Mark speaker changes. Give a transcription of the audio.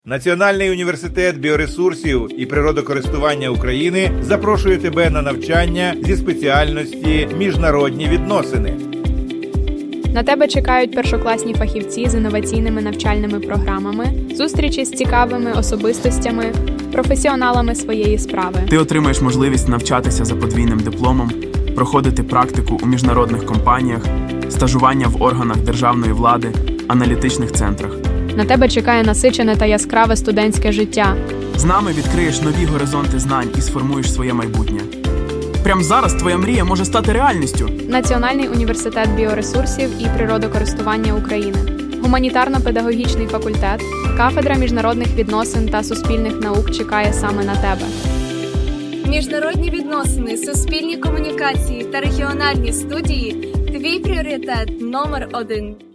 Speaker 1: Національний університет біоресурсів і природокористування України запрошує тебе на навчання зі спеціальності «Міжнародні відносини».
Speaker 2: На тебе чекають першокласні фахівці з інноваційними навчальними програмами, зустрічі з цікавими особистостями, професіоналами своєї справи.
Speaker 3: Ти отримаєш можливість навчатися за подвійним дипломом, проходити практику у міжнародних компаніях, стажування в органах державної влади, аналітичних центрах.
Speaker 2: На тебе чекає насичене та яскраве студентське життя.
Speaker 3: З нами відкриєш нові горизонти знань і сформуєш своє майбутнє. Прямо зараз твоя мрія може стати реальністю.
Speaker 2: Національний університет біоресурсів і природокористування України, гуманітарно-педагогічний факультет, кафедра міжнародних відносин та суспільних наук чекає саме на тебе.
Speaker 4: Міжнародні відносини, суспільні комунікації та регіональні студії – твій пріоритет номер 1.